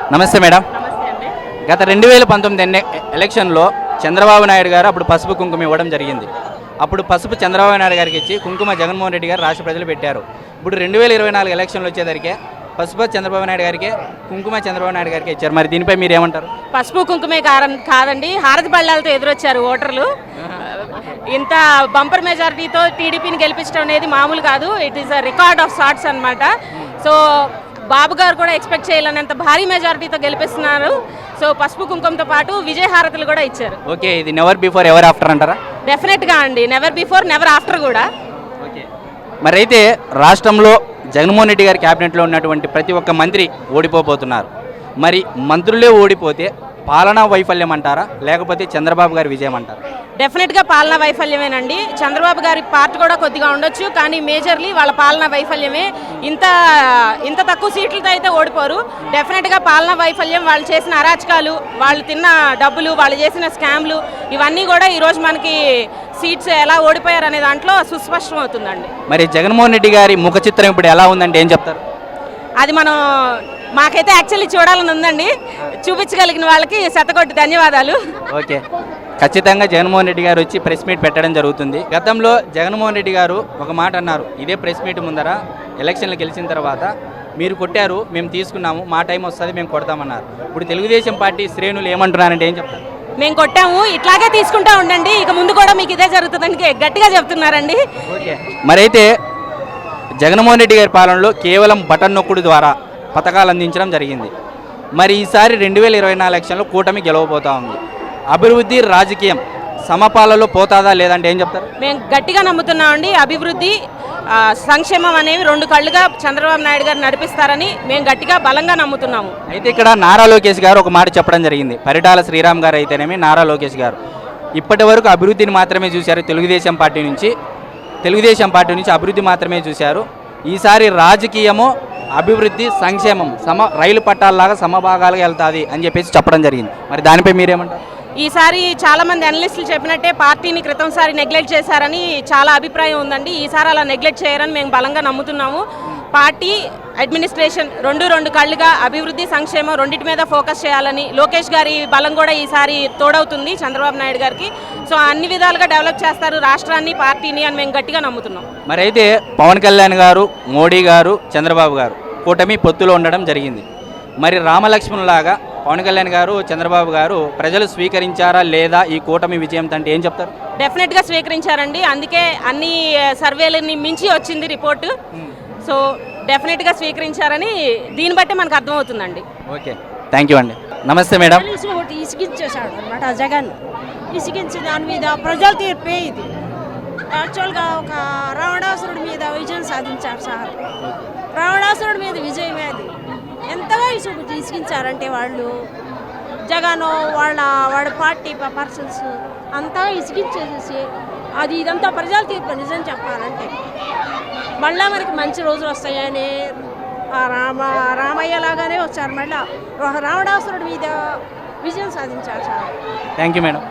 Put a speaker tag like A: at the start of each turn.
A: నమస్తే మేడం.
B: నమస్తే అండి.
A: గత 2019 ఎలక్షన్లో చంద్రబాబు నాయుడు గారు అప్పుడు పసుపు కుంకుమ ఇవ్వడం జరిగింది. అప్పుడు పసుపు చంద్రబాబు నాయుడు గారికి ఇచ్చి కుంకుమ జగన్మోహన్ రెడ్డి గారు రాష్ట్ర ప్రజలు పెట్టారు. ఇప్పుడు 2024 ఎలక్షన్లు వచ్చేసరికి పసుపు చంద్రబాబు నాయుడు గారికి, కుంకుమ చంద్రబాబు నాయుడు గారికి ఇచ్చారు. మరి దీనిపై మీరు ఏమంటారు?
B: పసుపు కుంకుమే కాదండి, హారతి బళ్ళాలతో ఎదురొచ్చారు ఓటర్లు. ఇంత బంపర్ మెజారిటీతో టీడీపీని గెలిపించడం అనేది మామూలు కాదు. It is a record of sorts అనమాట. సో బాబు గారు కూడా ఎక్స్పెక్ట్ చేయలేనంత భారీ మెజారిటీతో గెలిపిస్తున్నారు. సో పసుపు కుంకుమతో పాటు విజయ హారతులు కూడా ఇచ్చారు.
A: ఓకే, ఇది నెవర్ బిఫోర్ ఎవర్ ఆఫ్టర్ అంటారా?
B: డెఫినెట్గా అండి, నెవర్ బిఫోర్ నెవర్ ఆఫ్టర్ కూడా.
A: ఓకే, మరి అయితే రాష్ట్రంలో జగన్మోహన్ రెడ్డి గారి క్యాబినెట్లో ఉన్నటువంటి ప్రతి ఒక్క మంత్రి ఓడిపోతున్నారు. మరి మంత్రులే ఓడిపోతే పాలనా వైఫల్యం అంటారా, లేకపోతే చంద్రబాబు గారి విజయం అంటారా?
B: డెఫినెట్గా పాలనా వైఫల్యమేనండి. చంద్రబాబు గారి పార్ట్ కూడా కొద్దిగా ఉండొచ్చు, కానీ మేజర్లీ వాళ్ళ పాలనా వైఫల్యమే. ఇంత తక్కువ సీట్లతో అయితే ఓడిపోరు. డెఫినెట్గా పాలనా వైఫల్యం, వాళ్ళు చేసిన అరాచకాలు, వాళ్ళు తిన్న డబ్బులు, వాళ్ళు చేసిన స్కామ్లు, ఇవన్నీ కూడా ఈరోజు మనకి సీట్స్ ఎలా ఓడిపోయారు అనే దాంట్లో సుస్పష్టం అవుతుందండి.
A: మరి జగన్మోహన్ రెడ్డి గారి ముఖ చిత్రం ఇప్పుడు ఎలా ఉందంటే ఏం చెప్తారు?
B: అది మాకైతే యాక్చువల్లీ చూడాలని ఉందండి. చూపించగలిగిన వాళ్ళకి శతకోటి ధన్యవాదాలు.
A: ఓకే, ఖచ్చితంగా జగన్మోహన్ రెడ్డి గారు వచ్చి ప్రెస్ మీట్ పెట్టడం జరుగుతుంది. గతంలో జగన్మోహన్ రెడ్డి గారు ఒక మాట అన్నారు, ఇదే ప్రెస్ మీట్ ముందర ఎలక్షన్లు గెలిచిన తర్వాత, మీరు కొట్టారు, మేము తీసుకున్నాము, మా టైం వస్తుంది, మేము కొడతామన్నారు. ఇప్పుడు తెలుగుదేశం పార్టీ శ్రేణులు ఏమంటున్నారంటే ఏం చెప్తారు?
B: మేము కొట్టాము, ఇట్లాగే తీసుకుంటా ఉండండి, ఇక ముందు కూడా మీకు ఇదే జరుగుతుందని గట్టిగా చెప్తున్నారండి.
A: ఓకే, మరైతే జగన్మోహన్ రెడ్డి గారి పాలనలో కేవలం బటన్ నొక్కుడు ద్వారా పథకాలు అందించడం జరిగింది. మరి ఈసారి 2024 ఎలక్షన్లో కూటమి గెలవబోతా ఉంది. అభివృద్ధి రాజకీయం సమపాలలో పోతాదా లేదంటే ఏం చెప్తారు?
B: మేము గట్టిగా నమ్ముతున్నామండి. అభివృద్ధి సంక్షేమం అనేవి రెండు కళ్ళుగా చంద్రబాబు నాయుడు గారు నడిపిస్తారని మేము గట్టిగా బలంగా నమ్ముతున్నాము.
A: అయితే ఇక్కడ నారా లోకేష్ గారు ఒక మాట చెప్పడం జరిగింది. పరిటాల శ్రీరామ్ గారు అయితేనేమి, నారా లోకేష్ గారు ఇప్పటి వరకు అభివృద్ధిని మాత్రమే చూశారు. తెలుగుదేశం పార్టీ నుంచి అభివృద్ధి మాత్రమే చూశారు. ఈసారి రాజకీయము, అభివృద్ధి, సంక్షేమం రైలు పట్టాలలాగా సమభాగాలుగా వెళ్తుంది అని చెప్పేసి చెప్పడం జరిగింది. మరి దానిపై మీరేమంటారు?
B: ఈసారి చాలామంది అనలిస్టులు చెప్పినట్టే పార్టీని క్రితంసారి నెగ్లెక్ట్ చేశారని చాలా అభిప్రాయం ఉందండి. ఈసారి అలా నెగ్లెక్ట్ చేయరని మేము బలంగా నమ్ముతున్నాము. పార్టీ అడ్మినిస్ట్రేషన్ రెండు కళ్ళుగా అభివృద్ధి, సంక్షేమం రెండింటి మీద ఫోకస్ చేయాలని లోకేష్ గారి బలం కూడా ఈసారి తోడవుతుంది చంద్రబాబు నాయుడు గారికి. సో అన్ని విధాలుగా డెవలప్ చేస్తారు రాష్ట్రాన్ని, పార్టీని అని మేము గట్టిగా నమ్ముతున్నాం.
A: మరి అయితే పవన్ కళ్యాణ్ గారు, మోడీ గారు, చంద్రబాబు గారు కూటమి పొత్తులో ఉండడం జరిగింది. మరి రామలక్ష్మణులాగా పవన్ కళ్యాణ్ గారు, చంద్రబాబు గారు ప్రజలు స్వీకరించారా లేదా ఈ కూటమి విజయం అంటే ఏం చెప్తారు?
B: డెఫినెట్గా స్వీకరించారండి. అందుకే అన్ని సర్వేలని మించి వచ్చింది రిపోర్టు. సో డెఫినెట్గా స్వీకరించారని దీన్ని బట్టి మనకు అర్థమవుతుందండి.
A: ఓకే, థ్యాంక్ యూ అండి. నమస్తే మేడం.
C: ఒకటి ఇసిగించేశాడు అనమాట జగన్. ఇసిగించి దాని మీద ప్రజల తీర్పే ఇది. యాక్చువల్గా ఒక రావణాసురుడి మీద విజయం సాధించారు సార్. రావణాసురుడి మీద విజయమే అది. ఎంతగా ఇసిగించారంటే వాళ్ళు జగన్ వాళ్ళ పార్టీ పర్సన్స్ అంతా ఇసిగించేసేసి అది ఇదంతా ప్రజల తీర్పు. నిజం చెప్పాలంటే మళ్ళీ మనకి మంచి రోజులు వస్తాయని రామయ్య లాగానే వచ్చారు. మళ్ళీ ఒక రావణాసురుడి మీద విజయం సాధించారు సార్.
A: Thank you madam.